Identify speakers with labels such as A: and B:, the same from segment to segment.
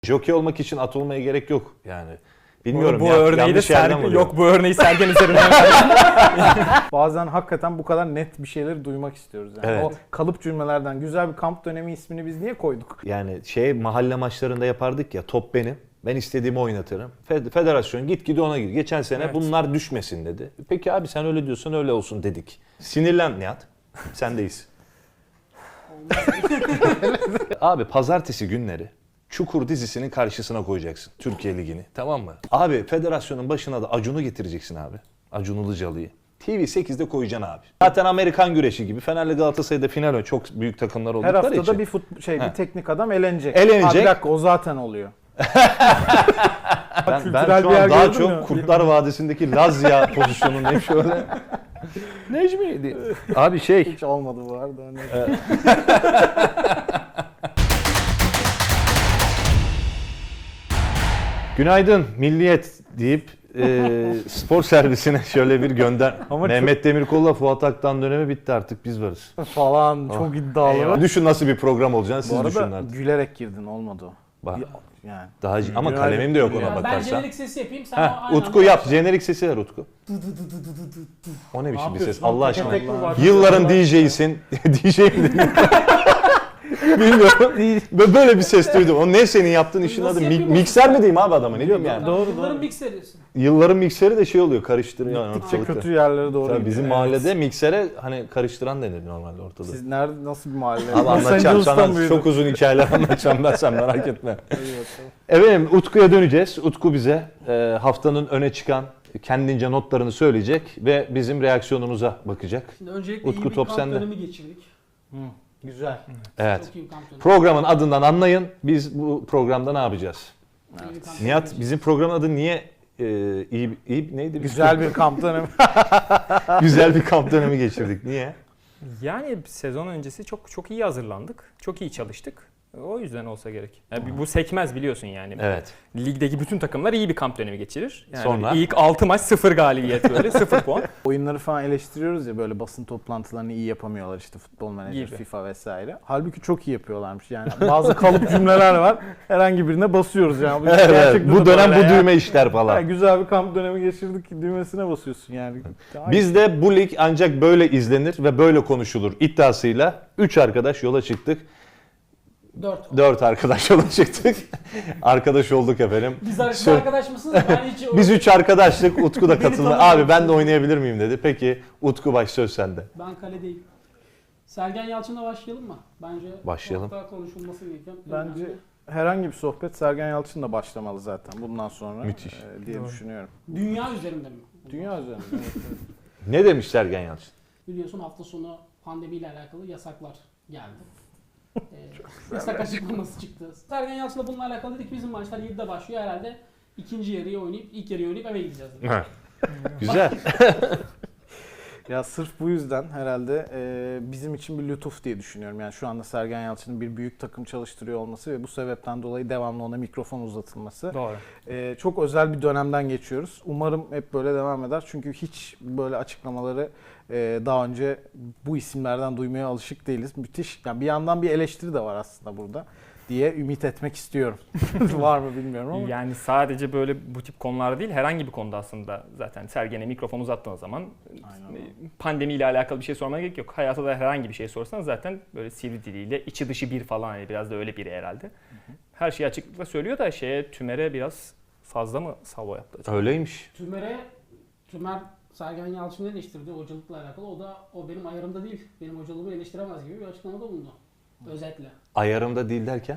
A: Jockey olmak için at olmaya gerek yok yani. Bilmiyorum
B: bu
A: ya,
B: örneği de yok, bu örneği Sergen üzerinden.
C: Bazen hakikaten bu kadar net bir şeyleri duymak istiyoruz. Yani.
A: Evet.
C: O kalıp cümlelerden güzel bir kamp dönemi ismini biz niye koyduk?
A: Yani mahalle maçlarında yapardık ya, top benim. Ben istediğimi oynatırım. Federasyon git ona gir. Geçen sene
B: Evet.
A: bunlar düşmesin dedi. Peki abi sen öyle diyorsan öyle olsun dedik. Sinirlen Nihat. Sendeyiz. Abi pazartesi günleri Çukur dizisinin karşısına koyacaksın Türkiye Ligi'ni, tamam mı? Abi federasyonun başına da Acun'u getireceksin abi. Acun Ilıcalı'yı. TV8'de koyacaksın abi. Zaten Amerikan güreşi gibi Fener'le Galatasaray'da final çok büyük takımlar
C: Her
A: oldukları
C: haftada
A: için.
C: bir teknik adam elenecek.
A: Elenecek.
C: Bir dakika, o zaten oluyor.
A: Ben
C: Kültürel
A: şu
C: bir yer
A: an daha
C: gördün
A: çok
C: mü?
A: Kurtlar Vadisi'ndeki Lazya pozisyonundayım şöyle. Necmi abi
C: Hiç olmadı bu arada. Hani.
A: Günaydın Milliyet deyip spor servisine şöyle bir gönder.
C: Ama
A: Mehmet Demirkol'la Fuat Aktan dönemi bitti, artık biz varız.
C: Falan çok iddialı.
A: Düşün nasıl bir program olacağını,
C: Bu
A: siz düşünün
C: arada
A: artık.
C: gülerek girdin, olmadı o.
A: Bak,
C: Yani.
A: daha ama
C: Günaydın.
A: kalemim de yok ona
C: Ya
D: Ben
A: bakarsan.
D: jenerik sesi yapayım, sen
A: Heh,
D: aynı
A: Utku
D: anda
A: yap,
D: başla.
A: jenerik sesi ver Utku. O ne biçim bir ses
C: yapıyorsun?
A: Allah
C: Tek
A: aşkına.
C: tek mi var?
A: Yılların DJ'sin. DJ'im dedim. Bilmiyorum. Böyle bir ses duydum. O ne senin yaptığın işin
D: Nasıl
A: adı?
D: yapayım o
A: Mikser
D: sesi?
A: mi diyeyim abi adama, ne diyorum yani?
C: Doğru,
D: Yılların
C: doğru.
D: mikserisin.
A: Yılların mikseri de şey oluyor, karıştırıyor.
C: Gittikçe
A: ortalıkta.
C: kötü yerlere doğru
A: Tabii bizim
C: gidiyor.
A: mahallede miksere hani karıştıran denir normalde ortada.
C: Siz nerede, nasıl bir mahalle?
A: Abi anlatacağım
C: Angeles'tan
A: sana,
C: büyüdüm.
A: çok uzun hikayeler anlatacağım ben, sen merak etme.
C: Hadi bakalım.
A: Efendim Utku'ya döneceğiz. Utku bize haftanın öne çıkan kendince notlarını söyleyecek ve bizim reaksiyonumuza bakacak.
D: Şimdi öncelikle
A: Utku,
D: iyi bir
A: top
D: kamp
A: sende.
D: dönemi geçirdik.
C: Güzel.
A: Evet.
D: Çok iyi bir kamp dönemi.
A: Programın adından anlayın. Biz bu programda ne yapacağız?
D: İyi bir kamp
A: Nihat,
D: dönemi
A: bizim programın adı niye iyi neydi?
C: Güzel bir kamp dönemi.
A: Güzel bir kamp dönemi geçirdik. Niye?
B: Yani sezon öncesi çok iyi hazırlandık. Çok iyi çalıştık. O yüzden olsa gerek. Yani bu sekmez biliyorsun yani.
A: Evet.
B: Ligdeki bütün takımlar iyi bir kamp dönemi geçirir. Yani
A: Sonra?
B: ilk 6 maç 0 galibiyet böyle 0 puan.
C: Oyunları falan eleştiriyoruz ya, böyle basın toplantılarını iyi yapamıyorlar, işte futbol menajer,
B: Gibi.
C: FIFA vesaire. Halbuki çok iyi yapıyorlarmış yani. Bazı kalıp cümleler var. Herhangi birine basıyoruz yani.
A: Evet,
C: Gerçekten
A: bu
C: de
A: dönem
C: böyle
A: bu
C: ya.
A: düğme işler falan.
C: Ya güzel bir kamp dönemi geçirdik, düğmesine basıyorsun yani.
A: Bizde bu lig ancak böyle izlenir ve böyle konuşulur iddiasıyla 3 arkadaş yola çıktık. 4 arkadaş yola çıktık. Arkadaş olduk efendim.
D: Biz arkadaş mısınız? Ben hiç
A: Biz 3 arkadaşlık, Utku da
D: Beni
A: katıldı.
D: tanımıyor
A: Abi ben de
D: musun?
A: oynayabilir miyim dedi. Peki Utku, baş söz sende.
D: Ben kaledeyim. Sergen Yalçın'la başlayalım mı? Bence
A: Başlayalım.
D: çok daha konuşulması gereken.
C: Bence herhangi bir sohbet Sergen Yalçın'la başlamalı zaten bundan sonra.
A: Müthiş.
C: Diye
B: Doğru.
C: düşünüyorum.
D: Dünya üzerinde mi?
C: Dünya üzerinde. Evet.
A: Ne demiş Sergen Yalçın?
D: Biliyorsun hafta sonu pandemiyle alakalı yasaklar geldi. Yasak açıklaması çıktı. Sergen Yalçın'la bununla alakalı dedik, bizim maçlar 7'de başlıyor herhalde. İkinci yarıyı oynayıp, ilk yarıyı oynayıp eve gideceğiz. Dedik.
A: Güzel.
C: Ya sırf bu yüzden herhalde bizim için bir lütuf diye düşünüyorum. Yani şu anda Sergen Yalçın'ın bir büyük takım çalıştırıyor olması ve bu sebepten dolayı devamlı ona mikrofon uzatılması.
B: Doğru.
C: Çok özel bir dönemden geçiyoruz. Umarım hep böyle devam eder. Çünkü hiç böyle açıklamaları daha önce bu isimlerden duymaya alışık değiliz. Müthiş. Yani bir yandan bir eleştiri de var aslında burada diye ümit etmek istiyorum. Var mı bilmiyorum ama.
B: Yani sadece böyle bu tip konularda değil, herhangi bir konuda aslında zaten Sergen'e mikrofon uzattığın zaman pandemiyle alakalı bir şey sormana gerek yok. Hayata da herhangi bir şey sorsan zaten böyle sivri diliyle içi dışı bir falan, yani biraz da öyle biri herhalde. Her şeyi açıklıkla söylüyor da Tümer'e biraz fazla mı salvo yaptı acaba?
A: Öyleymiş.
D: Tümer Sergen Yalçın'ı eleştirdi hocalıkla alakalı. O benim ayarımda değil, benim hocalığımı eleştiremez gibi bir açıklamada bulundu. Özetle.
A: Ayarımda değil derken?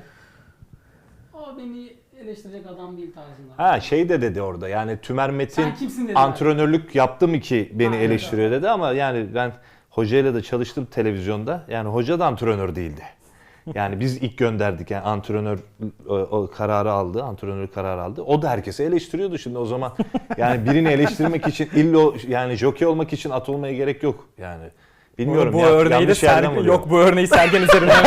D: O beni eleştirecek adam değil tarzında.
A: Ha şey de dedi orada, yani Tümer Metin
D: Sen kimsin dedi.
A: antrenörlük yaptım ki beni
D: Ha, evet,
A: eleştiriyor dedi, ama yani ben hocayla da çalıştım televizyonda. Yani hoca da antrenör değildi. Yani biz ilk gönderdik, yani antrenör o kararı aldı, antrenör kararı aldı. O da herkese eleştiriyordu şimdi o zaman. Yani birini eleştirmek için yani jockey olmak için at olmaya gerek yok. Yani Bilmiyorum
B: bu
A: ya,
B: örneği de
A: yanlış yerden
B: Sergen,
A: vuruyorum.
B: yok bu örneği Sergen üzerinden.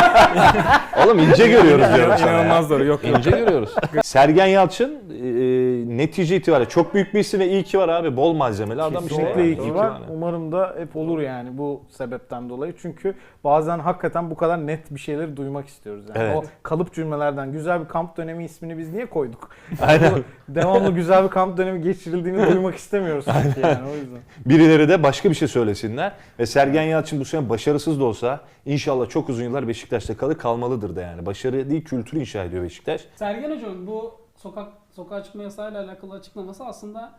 A: Oğlum ince görüyoruz diyorum sana ya.
B: İnanılmaz doğru. Yok.
A: İnce görüyoruz. Sergen Yalçın netice itibariyle çok büyük bir isim ve iyi ki var abi. Bol malzemeli adam işte.
C: Kesinlikle
A: yani.
C: iyi ki
A: İyi
C: var.
A: yani.
C: Umarım da hep olur yani bu sebepten dolayı. Çünkü bazen hakikaten bu kadar net bir şeyleri duymak istiyoruz. Yani.
A: Evet.
C: O kalıp cümlelerden güzel bir kamp dönemi ismini biz niye koyduk?
A: Aynen.
C: Devamlı güzel bir kamp dönemi geçirildiğini duymak istemiyoruz çünkü yani o yüzden.
A: Birileri de başka bir şey söylesinler. Ve Sergen Yalçın bu sene başarısız da olsa inşallah çok uzun yıllar Beşiktaş'ta kalmalıdır da yani. Başarı değil, kültür inşa ediyor Beşiktaş.
D: Sergen Hoca'nın bu sokağa çıkma yasağıyla alakalı açıklaması aslında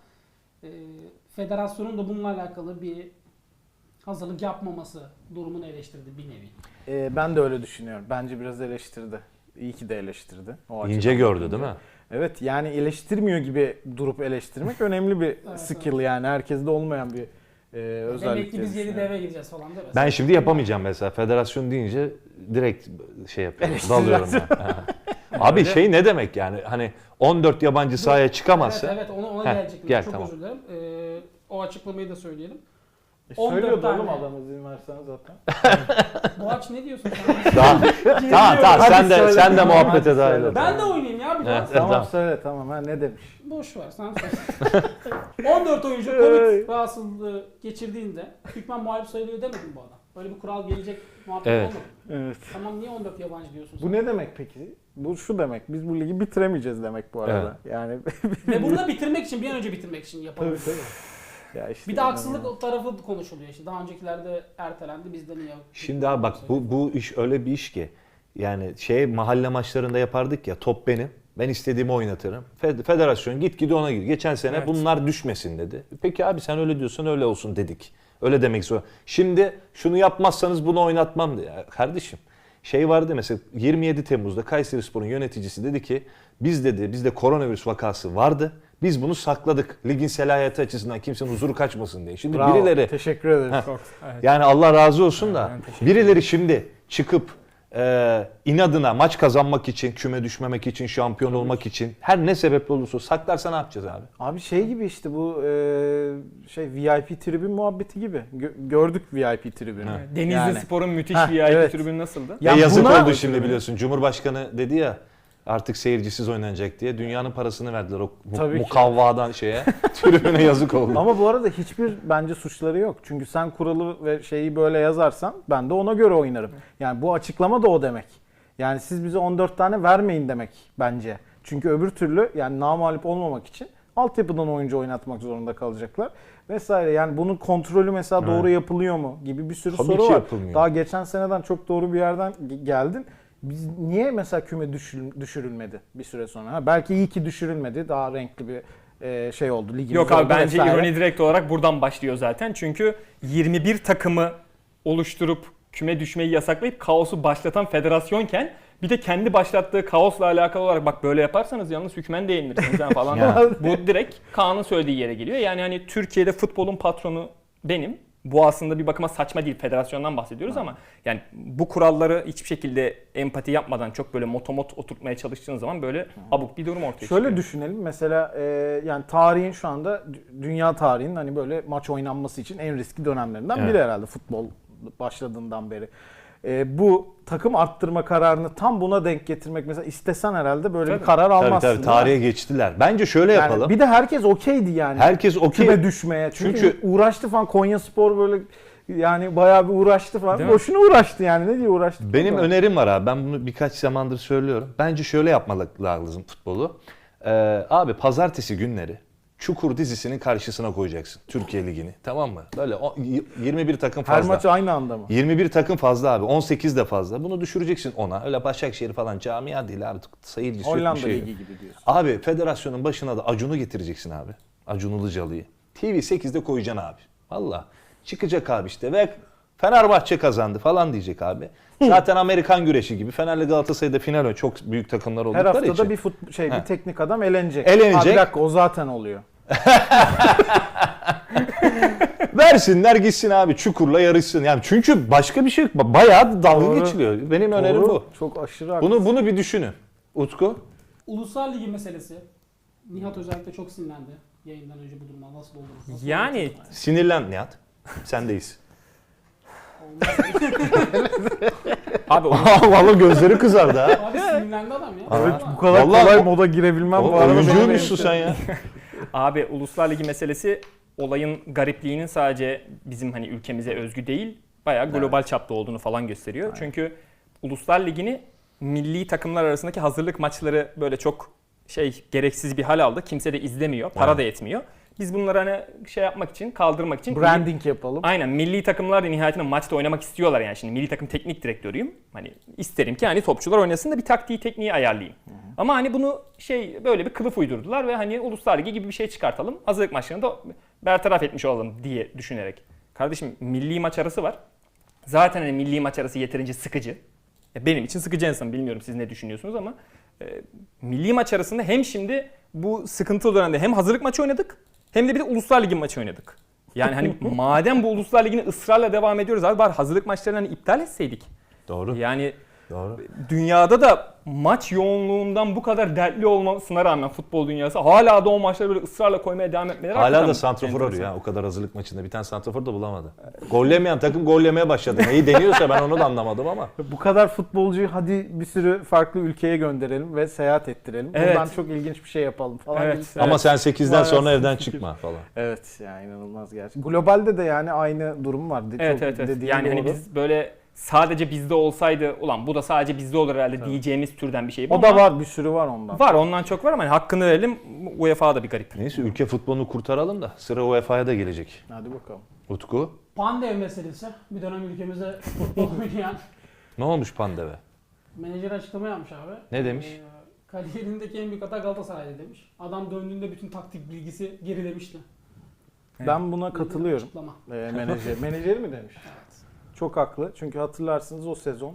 D: federasyonun da bununla alakalı bir hazırlık yapmaması durumunu eleştirdi bir nevi.
C: Ben de öyle düşünüyorum. Bence biraz eleştirdi. İyi ki de eleştirdi. O
A: İnce
C: açıdan
A: gördü
C: bakınca.
A: değil mi?
C: Evet yani eleştirmiyor gibi durup eleştirmek önemli bir skill yani. Herkeste olmayan bir özellik.
D: Demek ki
C: diye
D: biz yeni
C: düşünüyorum.
D: deve gireceğiz falan değil mi?
A: Ben şimdi yapamayacağım mesela. Federasyon deyince direkt şey yapıyorum. Dalıyorum ben. Abi şey ne demek yani? Hani 14 yabancı sahaya çıkamazsa.
D: Evet ona
A: Heh,
D: gelecektim.
A: gel,
D: Çok
A: tamam.
D: özür dilerim. O açıklamayı da söyleyelim.
C: Söylüyordu
D: 14
C: oğlum
D: tane.
C: adam izin versen zaten.
D: Boğaç ne diyorsun sen?
A: Tamam
C: Hadi
A: sen de
C: söyle.
A: sen de
C: Tamam,
A: muhabbete
C: hadi
A: dahil
C: söyle.
A: ol.
D: Ben de oynayayım ya biraz.
A: Evet.
C: Tamam
A: Tamam.
C: söyle tamam ha ne demiş?
D: Boş ver sen söyle. 14 oyuncu Covid rahatsızlığı geçirdiğinde hükmen muhalif sayılıyor demedi mi bu adam? Böyle bir kural gelecek muhabbet
A: Evet.
D: olmadı.
C: Evet.
D: Tamam niye 14 yabancı diyorsun sen?
C: Bu ne demek peki? Bu şu demek. Biz bu ligi bitiremeyeceğiz demek bu arada. Yani
D: Ve bunu da bitirmek için, bir an önce bitirmek için yapalım.
C: tabii. Ya işte
D: Bir de haksızlık tarafı konuşuluyor işte. Daha öncekilerde ertelendi, bizde niye?
A: Şimdi abi bak bu iş öyle bir iş ki yani mahalle maçlarında yapardık ya, top benim. Ben istediğimi oynatırım. Federasyon git ona gir. Geçen sene
B: Evet.
A: bunlar düşmesin dedi. Peki abi sen öyle diyorsan öyle olsun dedik. Öyle demek zor. Şimdi şunu yapmazsanız bunu oynatmam diye. Ya kardeşim vardı mesela 27 Temmuz'da Kayserispor'un yöneticisi dedi ki bizde koronavirüs vakası vardı. Biz bunu sakladık. Ligin selahiyeti açısından kimsenin huzuru kaçmasın diye. Şimdi
C: Bravo,
A: birileri
C: teşekkür ederim.
A: Heh.
B: Çok, evet.
A: yani Allah razı olsun da
B: Ben teşekkür
A: birileri şimdi çıkıp inadına maç kazanmak için, küme düşmemek için, şampiyon olmak için her ne sebeple olursa saklarsa ne yapacağız abi?
C: Abi şey gibi işte bu VIP tribün muhabbeti gibi. Gördük VIP tribünü.
B: Denizli
C: Yani.
B: Spor'un müthiş
C: Heh,
B: VIP
C: evet.
B: tribünü nasıldı?
C: Ya
A: yazık
C: buna-
A: oldu şimdi biliyorsun. Cumhurbaşkanı dedi ya artık seyircisiz oynanacak diye dünyanın parasını verdiler o
C: Tabii ki.
A: mukavvadan tribüne yazık oldu.
C: Ama bu arada hiçbir bence suçları yok. Çünkü sen kuralı ve şeyi böyle yazarsan ben de ona göre oynarım. Yani bu açıklama da o demek. Yani siz bize 14 tane vermeyin demek bence. Çünkü öbür türlü yani namağlup olmamak için altyapıdan oyuncu oynatmak zorunda kalacaklar vesaire. Yani bunun kontrolü mesela doğru yapılıyor mu gibi bir sürü
A: Tabii
C: soru
A: ki
C: var.
A: yapılmıyor.
C: Daha geçen seneden çok doğru bir yerden geldin. Biz niye mesela küme düşürülmedi bir süre sonra? Ha, belki iyi ki düşürülmedi. Daha renkli bir şey oldu. Ligimiz
B: Yok abi
C: oldu
B: bence
C: vesaire.
B: ironi direkt olarak buradan başlıyor zaten. Çünkü 21 takımı oluşturup küme düşmeyi yasaklayıp kaosu başlatan federasyonken bir de kendi başlattığı kaosla alakalı olarak bak böyle yaparsanız yalnız hükmen de yenilirsiniz ha falan.
A: Ya.
B: Bu direkt Kaan'ın söylediği yere geliyor. Yani hani Türkiye'de futbolun patronu benim. Bu aslında bir bakıma saçma değil. Federasyondan bahsediyoruz ama yani bu kuralları hiçbir şekilde empati yapmadan çok böyle motomot oturtmaya çalıştığınız zaman böyle abuk bir durum ortaya çıkıyor.
C: Şöyle düşünelim mesela yani tarihin şu anda dünya tarihinin hani böyle maç oynanması için en riskli dönemlerinden
A: Evet.
C: biri herhalde futbol başladığından beri. Bu takım arttırma kararını tam buna denk getirmek mesela istesen herhalde böyle
B: Tabii.
C: bir karar
A: Tabii
C: almazsın.
A: tabii tarihe geçtiler. Bence şöyle
C: Yani
A: yapalım.
C: bir de herkes okeydi yani.
A: Herkes okey.
C: Küme düşmeye. Çünkü
A: Çünkü-
C: uğraştı falan Konyaspor böyle yani bayağı bir uğraştı falan.
B: Değil mi?
C: Boşuna uğraştı yani. Ne diye uğraştı?
A: Benim önerim var abi. Ben bunu birkaç zamandır söylüyorum. Bence şöyle yapmak lazım futbolu. Abi pazartesi günleri Çukur dizisinin karşısına koyacaksın Türkiye Ligi'ni. Tamam mı? Böyle 21 takım
C: Her
A: fazla.
C: maç aynı anda mı?
A: 21 takım fazla abi. 18 de fazla. Bunu düşüreceksin ona. Öyle Başakşehir falan camia değil abi. Seyircisi yok, bir
C: Hollanda
A: şey yok.
C: Ligi gibi diyorsun.
A: Abi federasyonun başına da Acun'u getireceksin abi. Acun Ilıcalı'yı. TV8'de koyacaksın abi. Valla. Çıkacak abi işte ve Fenerbahçe kazandı falan diyecek abi. Zaten Amerikan güreşi gibi. Fener'le Galatasaray'da final oynuyor. Çok büyük takımlar
C: Her
A: oldukları
C: haftada
A: için.
C: bir teknik adam elenecek.
A: Elenecek.
C: Ha, bir dakika o zaten oluyor.
A: Versinler gitsin abi Çukur'la yarışsın. Yani çünkü başka bir şey yok. Bayağı dalga
C: Doğru.
A: geçiliyor. Benim önerim
C: Doğru.
A: bu.
C: Çok aşırı haklısın.
A: Bunu bir düşünün. Utku.
D: Ulusal Ligi meselesi. Nihat özellikle çok sinirlendi yayından önce bu durumdan nasıl olur? Nasıl
B: Yani
D: olur?
A: Sinirlen Nihat. Sendeyiz.
B: Abi
A: Vallahi gözleri kızardı ha.
D: Abi sinirlendi adam ya.
A: Evet,
C: Bu kadar
A: Vallahi
C: kolay
A: o-
C: moda girebilmem
A: Oğlum,
C: bu arada.
A: oyuncuymuşsun sen ya.
B: Abi Uluslar Ligi meselesi olayın garipliğinin sadece bizim hani ülkemize özgü değil, bayağı global çapta olduğunu falan gösteriyor.
C: Aynen.
B: Çünkü Uluslar Ligi'ni milli takımlar arasındaki hazırlık maçları böyle çok gereksiz bir hal aldı. Kimse de izlemiyor, para da yetmiyor. Biz bunları hani yapmak için, kaldırmak için
C: Branding yapalım.
B: aynen milli takımlar da nihayetinde maçta oynamak istiyorlar yani. Şimdi milli takım teknik direktörüyüm. Hani isterim ki hani topçular oynasın da bir taktiği tekniği ayarlayayım. Ama hani bunu böyle bir kılıf uydurdular ve hani Uluslar Ligi gibi bir şey çıkartalım. Hazırlık maçlarını da bertaraf etmiş olalım diye düşünerek. Kardeşim milli maç arası var. Zaten hani milli maç arası yeterince sıkıcı. Benim için sıkıcı en azından, bilmiyorum siz ne düşünüyorsunuz ama milli maç arasında hem şimdi bu sıkıntılı dönemde hem hazırlık maçı oynadık hem de bir de Uluslar Ligi maçı oynadık. Yani hani madem bu Uluslar Ligi'ni ısrarla devam ediyoruz abi, bari hazırlık maçlarını hani iptal etseydik.
A: Doğru.
B: Yani
A: Doğru.
B: dünyada da maç yoğunluğundan bu kadar dertli olmasına rağmen futbol dünyası hala da o maçları böyle ısrarla koymaya devam etmeleri
A: Hala
B: hakikaten
A: da santrafor arıyor
B: enteresan.
A: ya. O kadar hazırlık maçında bir tane santrafor da bulamadı. Gollemeyen takım gollemeye başladı. Neyi deniyorsa ben onu da anlamadım ama.
C: Bu kadar futbolcuyu hadi bir sürü farklı ülkeye gönderelim ve seyahat ettirelim.
B: Evet.
C: Buradan çok ilginç bir şey yapalım falan.
B: Evet.
C: gibi.
A: Ama sen 8'den sonra
C: Maalesef.
A: evden çıkma falan.
C: Evet yani inanılmaz gerçekten. Globalde de yani aynı durum var.
B: Evet
C: Çok
B: evet.
C: dediğin
B: Yani hani
C: doğru.
B: biz böyle sadece bizde olsaydı ulan bu da sadece bizde olur herhalde diyeceğimiz türden bir şey bu
C: O
B: ama
C: da var, bir sürü var ondan.
B: var, ondan çok var ama hani hakkını verelim. UEFA da bir garip.
A: Neyse ülke futbolunu kurtaralım da sıra UEFA'ya da gelecek.
C: Hadi bakalım.
A: Utku,
D: Pandev meselesi. Bir dönem ülkemizde futbol oynayan
A: ne olmuş Pandeve?
D: menajer açıklama yapmış abi.
A: Ne demiş?
D: Kariyerindeki en büyük hata Galatasaray'da demiş. Adam döndüğünde bütün taktik bilgisi gerilemişti.
C: Ben buna katılıyorum.
D: Açıklama.
C: Menajeri mi demiş?
D: Evet.
C: Çok haklı. Çünkü hatırlarsınız o sezon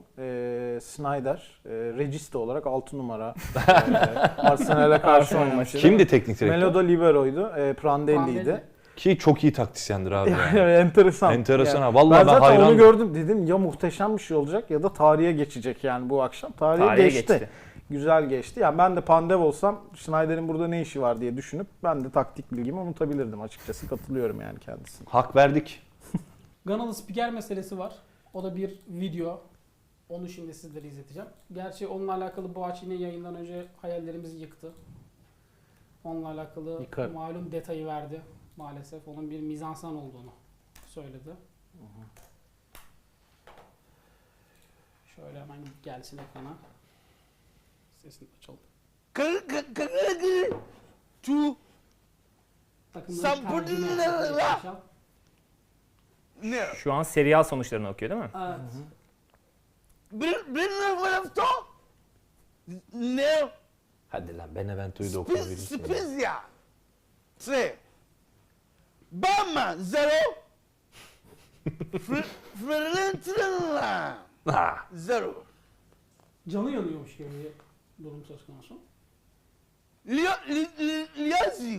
C: Snyder registe olarak 6 numara Arsenal'e karşı
B: Arsenal
C: oynamıştı.
A: Kimdi teknik direktör?
C: Melodo Libero'ydu. Prandelli'ydi.
D: Prandelli.
A: Ki çok iyi taktisyendir abi. Yani.
C: Enteresan.
A: Enteresan
C: Yani
A: ha. Vallahi
C: ben
A: ben
C: zaten
A: hayran.
C: onu gördüm, dedim ya muhteşem bir şey olacak ya da tarihe geçecek yani bu akşam. Tarihe geçti. Güzel geçti. Yani ben de Pandev olsam Schneider'in burada ne işi var diye düşünüp ben de taktik bilgimi unutabilirdim açıkçası. Katılıyorum yani kendisine.
A: Hak verdik.
D: Ganalı spiker meselesi var. O da bir video. Onu şimdi sizlere izleteceğim. Gerçi onunla alakalı Boğaç yine yayından önce hayallerimizi yıktı. Onunla alakalı
C: Yıkar.
D: malum detayı verdi. Maalesef onun bir mizansen olduğunu söyledi. Şöyle hemen gelsin ekrana. Sesini açalım.
E: Tu
D: Takımların tercihini yapacak arkadaşlar.
E: ne?
B: Şu an Serie A sonuçlarını okuyor değil mi?
D: Evet.
E: Bir to ne?
A: Hadi lan Benevento'yu da okuyabilirsin.
E: Spezia 3 Bama 0 Fiorentina 0
D: Canı yanıyormuş gibi bir durum söz konusu.
E: Liazzi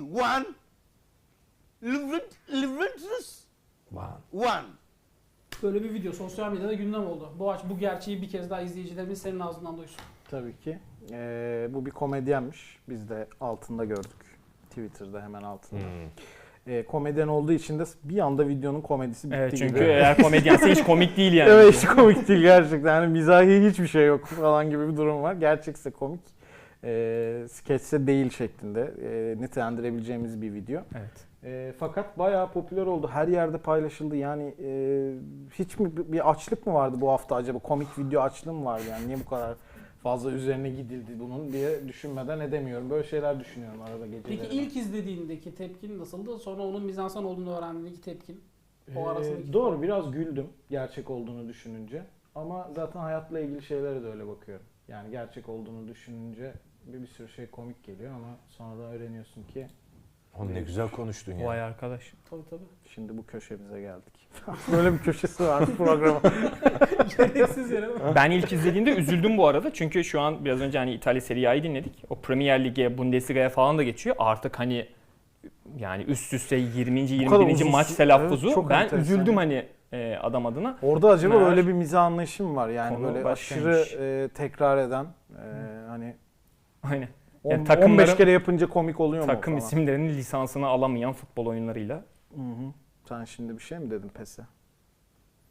E: 1 Juventus
A: Vay.
E: 1
D: Böyle bir video sosyal medyada gündem oldu. Boğaç bu gerçeği bir kez daha izleyicilerimiz senin ağzından duysun.
C: Tabii ki. Bu bir komedyenmiş. Biz de altında gördük. Twitter'da hemen altında. Komedyen olduğu için de bir anda videonun komedisi bitti
B: Evet, çünkü
C: gibi.
B: eğer komedyense hiç komik değil yani.
C: Evet, hiç komik değil gerçekten. Yani mizahi hiçbir şey yok falan gibi bir durum var. Gerçekse komik. Skeçse değil şeklinde nitelendirebileceğimiz bir video.
B: Evet.
C: Fakat bayağı popüler oldu. Her yerde paylaşıldı. Yani hiç mi bir açlık mı vardı bu hafta acaba? Komik video açlığı mı vardı? Yani niye bu kadar fazla üzerine gidildi bunun diye düşünmeden edemiyorum. Böyle şeyler düşünüyorum arada geceleri.
D: Peki ilk izlediğindeki tepkin nasıldı? Sonra onun mizansen olduğunu öğrendiğindeki tepkin? O arasındaki
C: Doğru, biraz güldüm gerçek olduğunu düşününce. Ama zaten hayatla ilgili şeylere de öyle bakıyorum. Yani gerçek olduğunu düşününce bir sürü şey komik geliyor ama sonra da öğreniyorsun ki
A: Oğlum ne güzel konuştun ya.
B: Vay arkadaş.
D: Tabii tabii.
C: şimdi bu köşemize geldik. Böyle bir köşesi var programa.
D: Gereksiz yere mi?
B: Ben ilk izlediğimde üzüldüm bu arada. Çünkü şu an biraz önce hani İtalya Serie A'yı dinledik. O Premier Lig'e, Bundesliga'ya falan da geçiyor. Artık hani yani üst üste 20.
C: kadar
B: 21.
C: uzun
B: maç
C: süre-
B: telaffuzu.
C: evet, çok
B: ben
C: enteresan.
B: üzüldüm hani adam adına.
C: Orada acaba
B: Meğer
C: öyle bir mizah anlayışı mı var? Yani
B: konu
C: böyle
B: başkaymış.
C: aşırı tekrar eden hani
B: Aynen.
C: 10,
B: Yani takımların-
C: 15 kere yapınca komik oluyor mu
B: Takım
C: falan?
B: isimlerinin lisansını alamayan futbol oyunlarıyla.
C: Hı hı. Sen şimdi bir şey mi dedin PES'e?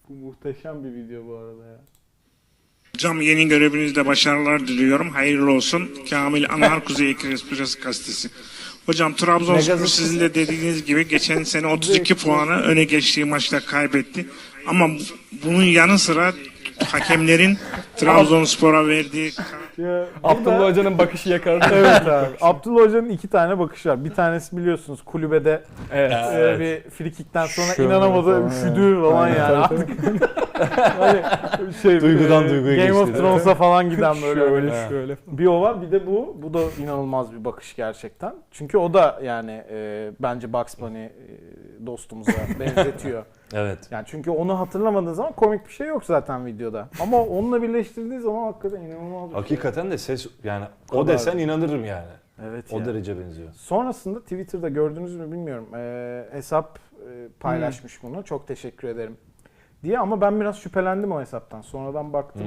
C: Bu muhteşem bir video bu arada ya.
F: Hocam yeni görevinizde başarılar diliyorum. Hayırlı olsun. Kamil Anhar Kuzey Ekspres Gazetesi. Hocam Trabzonspor sizin de dediğiniz gibi geçen sene 32 puanı öne geçtiği maçta kaybetti. Ama bunun yanı sıra hakemlerin Trabzonspor'a verdiği
C: Ya,
B: Abdullah Hoca'nın bakışı yakaladı.
C: evet abi. Abdullah Hoca'nın 2 tane bakışı var. Bir tanesi biliyorsunuz kulübede
B: Evet.
C: bir frikikten sonra
B: Şöyle
C: inanamadı,
B: falan,
C: üşüdü falan
B: Aynen,
C: yani. Artık hani şey,
A: Duygudan duyguya
C: Game
A: geçti,
C: of
A: değil mi?
C: Thrones'a falan giden böyle.
B: Şöyle şöyle.
C: Bir o var, bir de bu. Bu da inanılmaz bir bakış gerçekten. Çünkü o da yani bence Bugs Bunny dostumuza benzetiyor.
A: Evet.
C: Yani çünkü onu hatırlamadığın zaman komik bir şey yok zaten videoda. Ama onunla birleştirdiği zaman hakikaten inanılmaz bir şey.
A: Hakikaten de ses yani o
C: kadar.
A: desen inanırım yani.
C: Evet
A: O
C: ya.
A: derece benziyor.
C: Sonrasında Twitter'da gördünüz mü bilmiyorum. Hesap paylaşmış bunu. Çok teşekkür ederim diye, ama ben biraz şüphelendim o hesaptan. Sonradan baktım.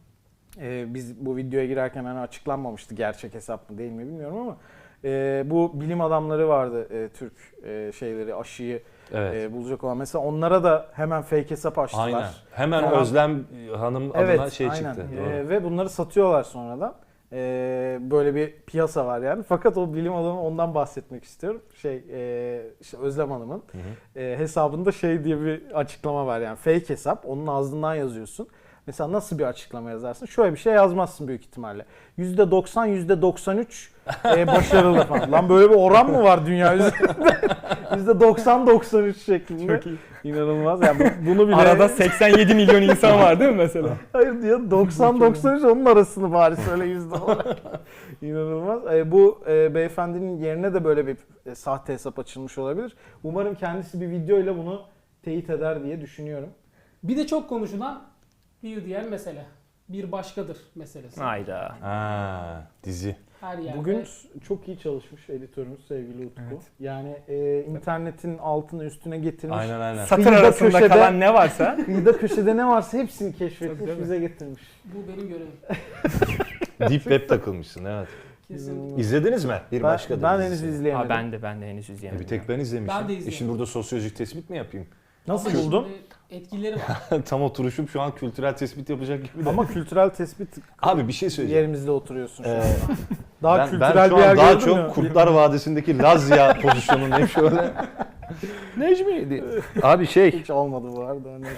C: Biz bu videoya girerken hani açıklanmamıştı gerçek hesap mı değil mi bilmiyorum ama bu bilim adamları vardı, Türk şeyleri, aşıyı
A: Evet.
C: bulacak olan. Mesela onlara da hemen fake hesap açtılar.
A: Aynen. Hemen
C: Tamam.
A: Özlem Hanım adına şey
C: aynen.
A: çıktı. Doğru.
C: Ve bunları satıyorlar sonradan. Böyle bir piyasa var yani. Fakat o bilim adamı, ondan bahsetmek istiyorum. İşte Özlem Hanım'ın hesabında şey diye bir açıklama var yani. Fake hesap. Onun ağzından yazıyorsun. Mesela nasıl bir açıklama yazarsın? Şöyle bir şey yazmazsın büyük ihtimalle. %90, %93 başarılı falan. Lan böyle bir oran mı var dünya üzerinde? %90-93 şeklinde.
B: Çok iyi.
C: İnanılmaz. Yani bunu bile...
B: Arada 87 milyon insan var değil mi mesela?
C: Hayır diyor, 90-93 onun arasını bari söyle yüzde olarak. İnanılmaz. Bu beyefendinin yerine de böyle bir sahte hesap açılmış olabilir. Umarım kendisi bir videoyla bunu teyit eder diye düşünüyorum.
D: Bir de çok konuşulan bir diğer mesele. Bir başkadır meselesi.
B: Hayda.
A: Ha, dizi.
D: Her yerde.
C: Bugün çok iyi çalışmış editörümüz sevgili Utku.
B: Evet.
C: Yani internetin altını üstüne getirmiş.
A: Aynen.
B: Satır
C: Kıyıda
B: arasında
C: köşede-
B: kalan ne varsa.
C: Kıyıda köşede ne varsa hepsini keşfetmiş,
B: Tabii.
C: bize getirmiş.
D: Bu benim görevim.
A: Deep Web takılmışsın evet.
D: Kesin.
A: İzlediniz mi? Bir başka
C: Ben henüz
A: dizisi.
C: izleyemedim.
B: Ben de henüz izleyemedim.
A: Bir tek ben izlemişim.
D: Ben de izledim.
A: Şimdi burada sosyolojik tespit mi yapayım?
C: Nasıl
D: Ama
C: buldun?
D: şimdi etkileri var.
A: Tam oturuşum şu an kültürel tespit yapacak gibi de.
C: Ama kültürel tespit
A: Abi bir şey söyleyeceğim.
C: yerimizde oturuyorsun şu
A: Ee,
C: anda. Daha
A: ben
C: kültürel
A: şu
C: bir yer
A: an daha
C: gördün mü?
A: çok Kurtlar Vadisi'ndeki Lazya pozisyonundayım şöyle. Necmi. Abi şey.
C: Hiç olmadı bu arada. Hani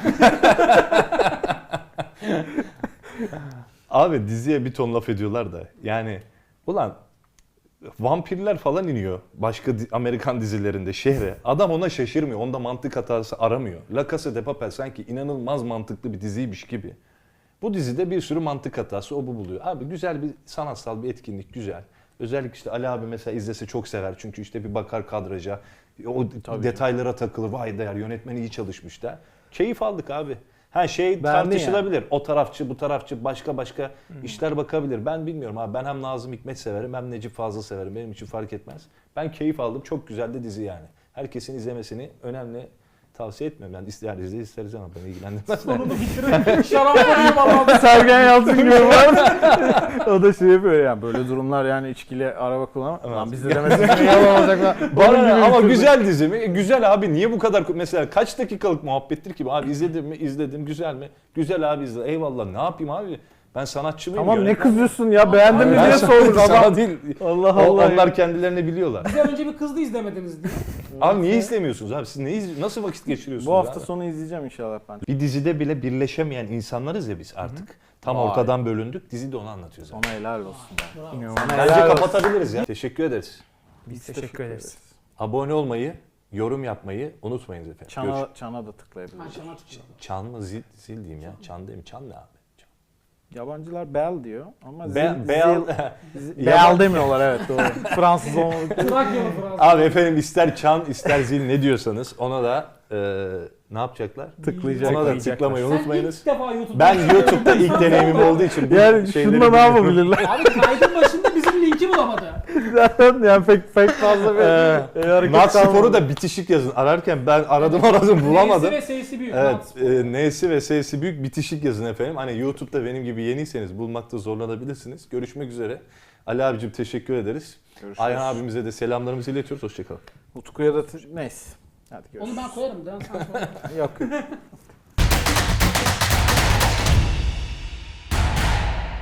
A: Abi diziye bir ton laf ediyorlar da. Yani ulan vampirler falan iniyor başka Amerikan dizilerinde şehre. Adam ona şaşırmıyor. Onda mantık hatası aramıyor. La Casa de Papel sanki inanılmaz mantıklı bir diziymiş gibi. Bu dizide bir sürü mantık hatası o bu buluyor. Abi güzel bir sanatsal bir etkinlik güzel. Özellikle işte Ali abi mesela izlese çok sever. Çünkü işte bir bakar kadraja. O detaylara takılır. Vay değer yönetmen iyi çalışmış da. Keyif aldık abi. Ha şey
C: Beğendin
A: tartışılabilir. O tarafçı, bu tarafçı, başka işler bakabilir. Ben bilmiyorum abi. Ben hem Nazım Hikmet severim hem Necip Fazıl severim. Benim için fark etmez. Ben keyif aldım. Çok güzel de dizi yani. Herkesin izlemesini önemli tavsiye etmiyorum. Yani ister izle isteriz ama beni ilgilendirmez.
D: Sonunu bitirin. Şarap koyayım Allah'ım.
C: Sergen Yalçın gibi var. O da şey yapıyor yani, böyle durumlar yani içkili araba kullanma.
A: Evet.
C: Lan biz de demesin ki yalan olacak lan. Onun
A: Bana
C: gibi
A: ama
C: bitirdik.
A: güzel dizi mi? Güzel abi. Niye bu kadar mesela kaç dakikalık muhabbettir ki? Abi izledim mi? İzledim. Güzel mi? Güzel abi izle. Eyvallah. Ne yapayım abi? Ben sanatçı mıyım?
C: Tamam ne
A: yönetmen miyim?
C: kızıyorsun ya, beğendin mi
A: Ben
C: diye sorduk
A: sana
C: adam.
A: değil.
C: Allah Allah.
A: Onlar kendilerini biliyorlar.
D: Bize önce bir kızdı izlemediniz diye.
A: Abi niye izlemiyorsunuz abi? Siz nasıl vakit geçiriyorsunuz
C: Bu hafta
A: abi?
C: sonu izleyeceğim inşallah ben.
A: Bir dizide bile birleşemeyen insanlarız ya biz artık. Tam
C: Vay.
A: ortadan bölündük. Dizi de onu anlatıyor zaten.
C: Ona helal olsun.
D: Bravo.
C: Sana
A: Bence
C: helal olsun.
A: kapatabiliriz ya. Teşekkür ederiz.
B: Biz teşekkür ederiz.
A: Abone olmayı, yorum yapmayı unutmayınız efendim.
C: Çana da
D: Ben
C: tıklayabiliriz.
D: şana tıklıyorum.
A: Çan mı zil diyeyim ya. Çan değil mi? Çan ne abi?
C: Yabancılar bell diyor ama
A: Yaban-
C: bell demiyorlar, evet doğru. Fransız olmadık.
D: Trakyalı Fransız.
A: Abi efendim ister çan ister zil ne diyorsanız ona da ne yapacaklar?
C: Tıklayacak.
A: Ona da
B: Tıklayacaklar.
A: tıklamayı
D: Sen
A: unutmayınız.
D: ilk defa YouTube'da...
A: Ben YouTube'da ilk deneyimim olduğu için bu
C: Yani
A: şeyleri
C: şununla ne
A: biliyorum.
C: yapabilirler?
D: Abi kaydın başında bizim linki bulamadı.
C: Zaten yani pek fazla bir hareket
A: Nat
C: kalmadı.
A: Spor'u da bitişik yazın. Ararken ben aradım bulamadım.
D: Neyse ve S'si büyük.
A: Evet,
D: Nat Spor.
A: N'si ve S'si büyük bitişik yazın efendim. Hani YouTube'da benim gibi yeniyseniz bulmakta zorlanabilirsiniz. Görüşmek üzere. Ali abicim teşekkür ederiz.
C: Görüşürüz.
A: Ayhan abimize de selamlarımızı iletiyoruz. Hoşçakalın.
C: Utku'ya da neyse. Hadi görüşürüz.
D: Onu ben koyarım. Sen sonra.
C: Yok.